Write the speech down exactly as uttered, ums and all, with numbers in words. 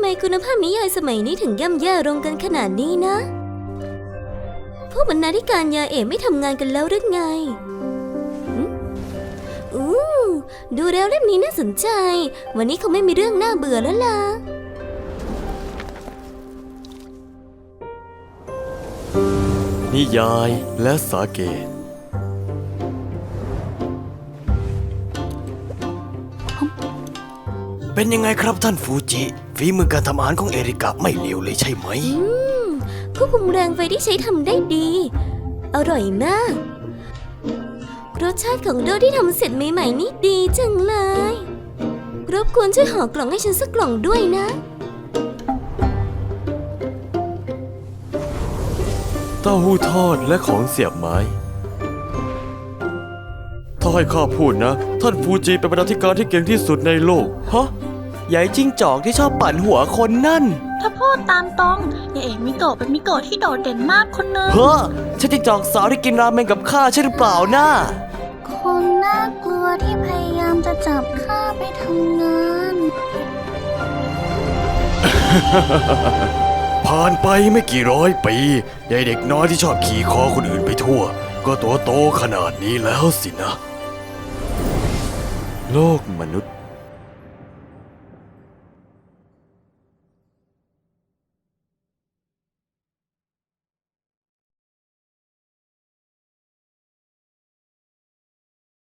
มคุณภาพนิยายสมัยนี้ถึงย่ำแย่ลงกันขนาดนี้นะพวกบรรณาธิการยาเอ๋ไม่ทำงานกันแล้วหรือไงอู้ดูแล้วเล่มนี้น่าสนใจวันนี้คงไม่มีเรื่องน่าเบื่อแล้วล่ะนิยายและสาเกเป็นยังไงครับท่านฟูจิฝีมือการทำอาหารของเอริกะไม่เลวเลยใช่ไหมอืมควบคุมแรงไฟที่ใช้ทำได้ดีอร่อยมากรสชาติของโดที่ทำเสร็จใหม่ๆนี่ดีจังเลยรบกวนช่วยห่อกล่องให้ฉันสักกล่องด้วยนะเต้าหู้ทอดและของเสียบไม้ถ้าให้ข้าพูดนะท่านฟูจิเป็นบรรณาธิการที่เก่งที่สุดในโลกฮะใหญ่จิ้งจอกที่ชอบปั่นหัวคนนั่นถ้าพูดตามตรงยายเอกมิโกะเป็นมิโกะที่โดดเด่นมากคนนึงเฮ้อใช่จิ้งจอกสาวที่กินราเมงกับข้าใช่หรือเปล่านะคนน่ากลัวที่พยายามจะจับข้าไปทำงานผ่านไปไม่กี่ร้อยปียายเด็กน้อยที่ชอบขี่คอคนอื่นไปทั่วก็ตัวโตขนาดนี้แล้วสินะโลกมนุษย์